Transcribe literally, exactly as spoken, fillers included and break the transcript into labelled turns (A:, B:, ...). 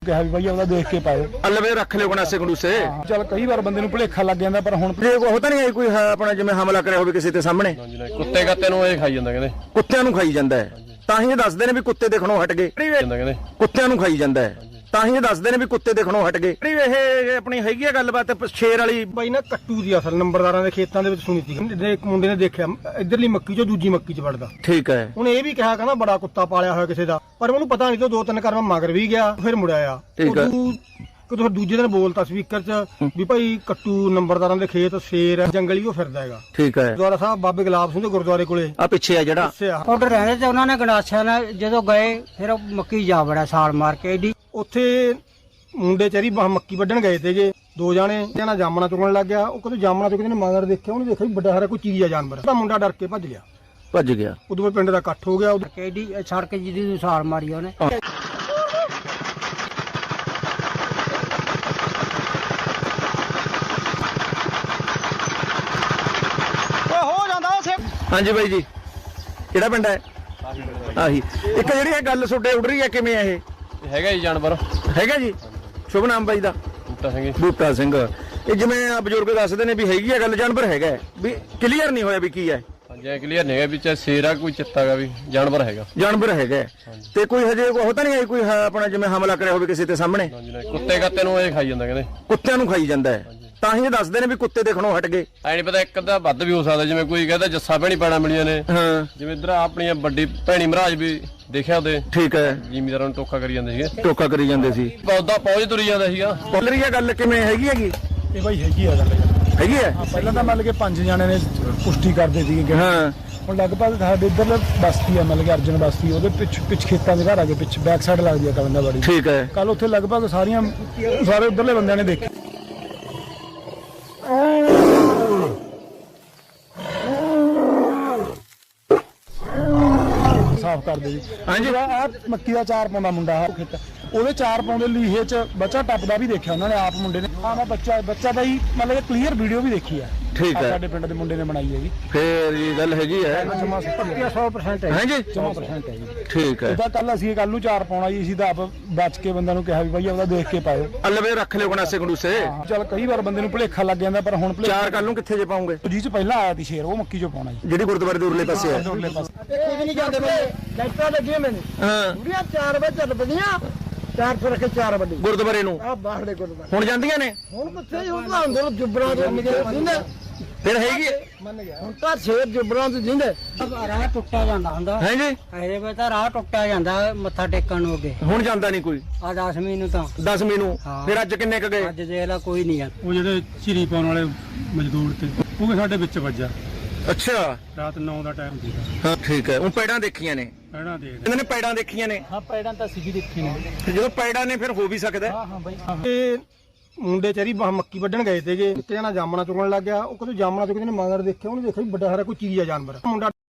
A: ਕਿਹਾ ਵੀ ਬਾਈ ਉਹਦਾ ਦੇਖ ਕੇ ਪਾਓ
B: ਅਲਵੇ ਰੱਖ ਲਿਓ ਗਣਾਸੇ ਗੰਡੂਸੇ।
A: ਚਲ ਕਈ ਵਾਰ ਬੰਦੇ ਨੂੰ ਭੁਲੇਖਾ ਲੱਗ ਜਾਂਦਾ ਪਰ ਹੁਣ
B: ਉਹ ਤਾਂ ਨਹੀਂ ਕੋਈ ਆਪਣਾ ਜਿਵੇਂ ਹਮਲਾ ਕਰਿਆ ਹੋਵੇ ਕਿਸੇ ਤੇ ਸਾਹਮਣੇ।
C: ਕੁੱਤੇ ਕੱਤੇ ਨੂੰ ਇਹ ਖਾਈ ਜਾਂਦਾ ਕਹਿੰਦੇ,
B: ਕੁੱਤਿਆਂ ਨੂੰ ਖਾਈ ਜਾਂਦਾ ਹੈ ਤਾਂ ਹੀ ਇਹ ਦੱਸਦੇ ਨੇ ਵੀ ਕੁੱਤੇ ਦੇਖਣੋਂ ਹਟ ਗਏ।
C: ਕਹਿੰਦੇ
B: ਕੁੱਤਿਆਂ ਨੂੰ ਖਾਈ ਜਾਂਦਾ ਹੈ ਤਾਂ ਹੀ ਇਹ ਦੱਸਦੇ ਨੇ ਵੀ ਕੁੱਤੇ ਦੇਖਣੋਂ ਹਟ ਗਏ। ਇਹ ਆਪਣੀ ਹੈਗੀ ਆ ਗੱਲਬਾਤ ਸ਼ੇਰ ਵਾਲੀ
A: ਬਾਈ ਨਾ ਕੱਟੂ ਦੀ ਅਸਲ ਨੰਬਰਦਾਰਾਂ ਦੇ ਖੇਤਾਂ ਦੇ ਵਿੱਚ ਸੁਣੀ ਸੀ। ਇੱਕ ਮੁੰਡੇ ਨੇ ਦੇਖਿਆ ਇਧਰਲੀ ਮੱਕੀ ਚੋਂ ਦੂਜੀ ਮੱਕੀ 'ਚ ਵੜਦਾ।
B: ਠੀਕ ਹੈ।
A: ਉਹਨੇ ਇਹ ਵੀ ਕਿਹਾ ਕਹਿੰਦਾ ਬੜਾ ਕੁੱਤਾ ਪਾਲਿਆ ਹੋਇਆ ਕਿਸੇ ਦਾ, ਪਰ ਉਹਨੂੰ ਪਤਾ ਨਹੀਂ ਤੋਂ ਦੋ ਤਿੰਨ ਕਰਮ ਮਗਰ ਵੀ ਗਿਆ ਫਿਰ ਮੁੜਿਆ ਆ।
B: ਠੀਕ ਹੈ।
A: ਕਿਦੋਂ ਦੂਜੇ ਦਿਨ ਬੋਲਤਾ ਸਪੀਕਰ 'ਚ ਵੀ ਭਾਈ ਕੱਟੂ ਨੰਬਰਦਾਰਾਂ ਦੇ ਖੇਤ ਸ਼ੇਰ ਜੰਗਲੀ ਉਹ ਫਿਰਦਾ ਹੈਗਾ।
B: ਠੀਕ ਹੈ।
A: ਗੁਰਦੁਆਰਾ ਸਾਹਿਬ ਬਾਬੇ ਗੁਲਾਬ ਸਿੰਘ ਦੇ ਗੁਰਦੁਆਰੇ ਕੋਲੇ
B: ਆ ਪਿੱਛੇ ਆ ਜਿਹੜਾ
D: ਆਰਡਰ ਰਹਿੰਦੇ ਤੇ ਉਹਨਾਂ ਨੇ ਗੰਡਾਸਿਆਂ ਨਾਲ ਜਦੋਂ ਗਏ ਫਿਰ ਮੱਕੀ ਜਾ ਵੜਿਆ ਸਾਲ ਮਾਰ ਕੇ ਏਡੀ।
A: ਉੱਥੇ ਮੁੰਡੇ ਚਰੀ ਮੱਕੀ ਵੱਢਣ ਗਏ ਤੇਗੇ ਦੋ ਜਾਣੇ, ਜਣਾ ਜਾਮਣਾ ਚੁਗਣ ਲੱਗ ਗਿਆ। ਉਹ ਕਦੋਂ ਜਾਮਣਾ ਚੁਗਦੇ ਨੇ ਮਗਰ ਦੇਖਿਆ, ਉਹਨੇ ਦੇਖਿਆ ਵੀ ਵੱਡਾ ਸਾਰਾ ਕੋਈ ਚੀਜ਼ ਆ ਜਾਨਵਰ। ਤਾਂ ਮੁੰਡਾ ਡਰ ਕੇ ਭੱਜ ਗਿਆ
B: ਭੱਜ ਗਿਆ।
A: ਉਦੋਂ ਬਾਅਦ ਪਿੰਡ ਦਾ ਇਕੱਠ ਹੋ ਗਿਆ।
D: ਏਡੀ ਸੜਕ ਜਿਹਦੀ ਸਾਲ ਮਾਰੀ ਉਹਨੇ।
B: ਹਾਂਜੀ ਬਾਈ ਜੀ, ਕਿਹੜਾ ਪਿੰਡ ਹੈ? ਆਹੀ ਇੱਕ ਜਿਹੜੀ ਇਹ ਗੱਲ ਤੁਹਾਡੇ ਉੱਡ ਰਹੀ ਹੈ, ਕਿਵੇਂ ਹੈ ਇਹ?
C: ਹੈਗਾ ਜੀ ਜਾਨਵਰ
B: ਹੈਗਾ ਜੀ। ਸ਼ੁਭ ਨਾਮ ਬਾਈ ਦਾ?
C: ਬੂਟਾ ਸਿੰਘ।
B: ਬੂਟਾ ਸਿੰਘ। ਇਹ ਜਿਵੇਂ ਆ ਬਜ਼ੁਰਗ ਦੱਸਦੇ ਨੇ ਵੀ ਹੈਗੀ ਆ ਗੱਲ, ਜਾਨਵਰ ਹੈਗਾ ਵੀ ਕਲੀਅਰ ਨਹੀਂ ਹੋਇਆ ਵੀ ਕੀ ਹੈ।
C: ਹਾਂਜੀ ਕਲੀਅਰ ਨਹੀਂ ਹੈਗਾ ਵੀ ਚਾਹੇ ਸ਼ੇਰ ਆ ਕੋਈ ਚਿੱਤਾ ਗਾ, ਵੀ ਜਾਨਵਰ ਹੈਗਾ।
B: ਜਾਨਵਰ ਹੈਗਾ ਤੇ ਕੋਈ ਹਜੇ ਉਹ ਤਾਂ ਨਹੀਂ ਆਈ ਕੋਈ ਆਪਣਾ ਜਿਵੇਂ ਹਮਲਾ ਕਰਿਆ ਹੋਵੇ ਕਿਸੇ ਤੇ ਸਾਹਮਣੇ।
C: ਕੁੱਤੇ ਕੱਤੇ ਨੂੰ ਇਹ ਖਾਈ ਜਾਂਦਾ ਕਹਿੰਦੇ,
B: ਕੁੱਤਿਆਂ ਨੂੰ ਖਾਈ ਜਾਂਦਾ ਹੈ ਤਾਂ ਹੀ ਇਹ ਦੱਸਦੇ ਨੇ ਵੀ ਕੁੱਤੇ ਦੇਖਣੋਂ ਹਟ ਗਏ।
C: ਐ ਨਹੀਂ ਪਤਾ ਇੱਕ ਅੱਧਾ ਵੱਧ ਵੀ ਹੋ ਸਕਦਾ, ਜਿਵੇਂ ਕੋਈ ਕਹਿੰਦਾ ਜੱਸਾ ਭੈਣੀ ਪੈਣਾ ਮਿਲੀਆਂ ਨੇ।
B: ਹਾਂ
C: ਜਿਵੇਂ ਇਧਰ ਆਪਣੀਆਂ ਵੱਡੀ ਭੈਣੀ ਮਹਾਰਾਜ ਵੀ ਦੇਖਿਆ ਉਹਦੇ।
B: ਠੀਕ ਹੈ।
C: ਜ਼ਿਮੀਦਾਰਾਂ ਨੂੰ ਟੋਕਾ ਕਰੀ ਜਾਂਦੇ ਸੀਗੇ,
B: ਟੋਕਾ ਕਰੀ ਜਾਂਦੇ ਸੀ।
C: ਪੌਦਾ ਪੌਜ ਤੁਰੀ ਜਾਂਦਾ ਸੀਗਾ।
B: ਬੋਲ ਰਹੀ ਹੈ ਗੱਲ, ਕਿਵੇਂ ਹੈਗੀ ਹੈਗੀ?
A: ਇਹ ਬਾਈ ਹੈਗੀ ਆ ਗੱਲ,
B: ਹੈਗੀ ਹੈ।
A: ਪਹਿਲਾਂ ਤਾਂ ਮਤਲਬ ਕਿ ਪੰਜ ਜਾਣੇ ਨੇ ਪੁਸ਼ਟੀ ਕਰਦੇ ਸੀਗੇ।
B: ਹਾਂ
A: ਹੁਣ ਲਗਭਗ ਸਾਡੇ ਇੱਧਰ ਬਸਤੀ ਆ, ਮਤਲਬ ਕਿ ਅਰਜਨ ਬਸਤੀ, ਉਹਦੇ ਪਿੱਛ ਪਿੱਛ ਖੇਤਾਂ ਦੇ ਘਰ ਆ ਕੇ ਪਿੱਛ ਬੈਕ ਸਾਈਡ ਲੱਗਦੀ ਆ ਕਲੰਦਾਵਾੜੀ।
B: ਠੀਕ ਹੈ।
A: ਕੱਲ ਉੱਥੇ ਲਗਭਗ ਸਾਰੀਆਂ ਸਾਰੇ ਉੱਧਰਲੇ ਬੰਦਿਆਂ ਨੇ ਦੇਖਿਆ। ਸਾਫ਼ ਕਰ ਦੇ ਜੀ।
B: ਹਾਂਜੀ।
A: ਆ ਮੱਕੀ ਦਾ ਚਾਰ ਪਾਉਂਦਾ ਮੁੰਡਾ ਆ ਖੇਤ, ਉਹਦੇ ਚਾਰ ਪਾਉਂਦੇ ਲੀਹੇ 'ਚ ਬੱਚਾ ਟੱਪਦਾ ਵੀ ਦੇਖਿਆ ਉਹਨਾਂ ਨੇ, ਆਪ ਮੁੰਡੇ ਨੇ। ਹਾਂ ਮੈਂ ਬੱਚਾ ਬੱਚਾ ਬਾਈ ਮਤਲਬ ਕਿ ਕਲੀਅਰ ਵੀਡੀਓ ਵੀ ਦੇਖੀ ਆ।
B: ਠੀਕ ਹੈ।
A: ਸਾਡੇ ਪਿੰਡ ਦੇ ਮੁੰਡੇ ਨੇ ਬਣਾਈ ਹੈਗੀ।
B: ਫੇਰ ਇਹ ਗੱਲ ਹੈਗੀ ਹੈ।
A: ਪੱਕੀਆ ਸੌ ਪਰਸੈਂਟ ਹੈ।
B: ਹਾਂਜੀ
A: ਸੌ ਪਰਸੈਂਟ ਹੈ ਜੀ।
B: ਠੀਕ ਹੈ।
A: ਇਹਦਾ ਕੱਲ ਅਸੀਂ ਕੱਲ ਨੂੰ ਚਾਰ ਪਾਉਣਾ ਜੀ, ਅਸੀਂ ਤਾਂ ਆਪ ਬਚ ਕੇ ਬੰਦਿਆਂ ਨੂੰ ਕਿਹਾ ਵੀ ਬਾਈ ਉਹਦਾ ਦੇਖ ਕੇ ਪਾਓ।
B: ਅਲਵੇ ਰੱਖ ਲਿਓ ਗਣਾਸੇ ਗੰਡੂਸੇ।
A: ਚਲ ਕਈ ਵਾਰ ਬੰਦੇ ਨੂੰ ਭੁਲੇਖਾ ਲੱਗ ਜਾਂਦਾ ਪਰ ਹੁਣ
B: ਚਾਰ ਕੱਲ ਨੂੰ ਕਿੱਥੇ ਜੇ ਪਾਉਂਗੇ?
A: ਜੀ ਚ ਪਹਿਲਾਂ ਆਇਆ ਸੀ ਸ਼ੇਰ, ਉਹ ਮੱਕੀ ਚੋਂ ਪਾਉਣਾ ਜੀ,
B: ਜਿਹੜੀ ਗੁਰਦੁਆਰੇ ਦੇ ਉਰਲੇ ਪਾਸੇ ਹੈ।
A: ਉਰਲੇ ਪਾਸੇ।
D: ਕੁਝ ਨਹੀਂ ਜਾਂਦੇ ਲਾਈਟਾਂ ਲੱਗੀਆਂ ਮੈਨੂੰ
B: ਹਾਂ
D: ਪੂਰੀਆਂ ਚਾਰ ਵਜੇ ਚੱਲ ਪਈਆਂ, ਚਾਰ ਸੌ ਰੱਖੇ ਚਾਰ ਵੱਡੀ
B: ਗੁਰਦੁਆਰੇ ਨੂੰ
D: ਆ ਬਾਹਰਲੇ ਗੁਰਦੁਆਰੇ।
B: ਹੁਣ ਜਾਂਦੀਆਂ ਨੇ?
D: ਹੁਣ ਕਿੱਥੇ ਹੁਣ ਤਾਂ ਅੰਦਰ ਜੁਬਰਾਂ ਤੋਂ ਜਿੰਦੇ
B: ਫਿਰ ਹੈਗੀ
D: ਮੰਨ ਗਿਆ। ਹੁਣ ਤਾਂ ਛੇ ਜੁਬਰਾਂ ਤੋਂ ਜਿੰਦੇ ਰਾਹ ਟੁੱਟਿਆ ਜਾਂਦਾ ਹੁੰਦਾ
B: ਹੈ ਜੀ।
D: ਇਹਦੇ ਵਿੱਚ ਤਾਂ ਰਾਹ ਟੁੱਟਿਆ ਜਾਂਦਾ ਮੱਥਾ ਟੇਕਣ ਨੂੰ ਅੱਗੇ।
B: ਹੁਣ ਜਾਂਦਾ ਨਹੀਂ ਕੋਈ?
D: ਆ ਦਸਵੀਂ ਨੂੰ ਤਾਂ
B: ਦਸਵੀਂ ਨੂੰ। ਫਿਰ ਅੱਜ ਕਿੰਨੇ ਕ ਗਏ?
D: ਅੱਜ ਦੇਖ ਲਾ ਕੋਈ ਨਹੀਂ ਜਾਂਦਾ।
A: ਉਹ ਜਿਹੜੇ ਚਿਰੀ ਪਾਉਣ ਵਾਲੇ ਮਜ਼ਦੂਰ ਤੇ ਉਹ ਵੀ ਸਾਡੇ ਵਿੱਚ ਵੱਜਾ।
B: ਅੱਛਾ।
A: ਰਾਤ ਨੌ ਦਾ ਟਾਈਮ ਸੀ।
B: ਹਾਂ ਠੀਕ ਹੈ। ਉਹ ਪੈੜਾਂ ਦੇਖੀਆਂ ਨੇ?
A: ਪੈੜਾਂ ਦੇਖ
B: ਇਹਨਾਂ ਨੇ ਪੈੜਾਂ ਦੇਖੀਆਂ ਨੇ?
A: ਹਾਂ ਪੈੜਾਂ ਤਾਂ ਅਸੀਂ ਵੀ ਦੇਖੀ ਨੇ।
B: ਫਿਰ ਜਦੋਂ ਪੈੜਾਂ ਨੇ ਫਿਰ ਹੋ ਵੀ ਸਕਦਾ।
A: ਹਾਂ ਹਾਂ ਬਾਈ। ਇਹ ਮੁੰਡੇ ਚਰੀ ਮੱਕੀ ਵੱਢਣ ਗਏ ਤੇਗੇ, ਇੱਕ ਜਣਾ ਜਾਮਣਾ ਚੁਗਣ ਲੱਗ ਗਿਆ। ਉਹ ਕਦੋਂ ਜਾਮਣਾ ਚੁਗਦੇ ਨੇ ਮਗਰ ਦੇਖਿਆ, ਉਹਨੇ ਦੇਖਿਆ ਵੀ ਵੱਡਾ ਸਾਰਾ ਕੋਈ ਚੀਜ਼ ਆ ਜਾਨਵਰ। ਮੁੰਡਾ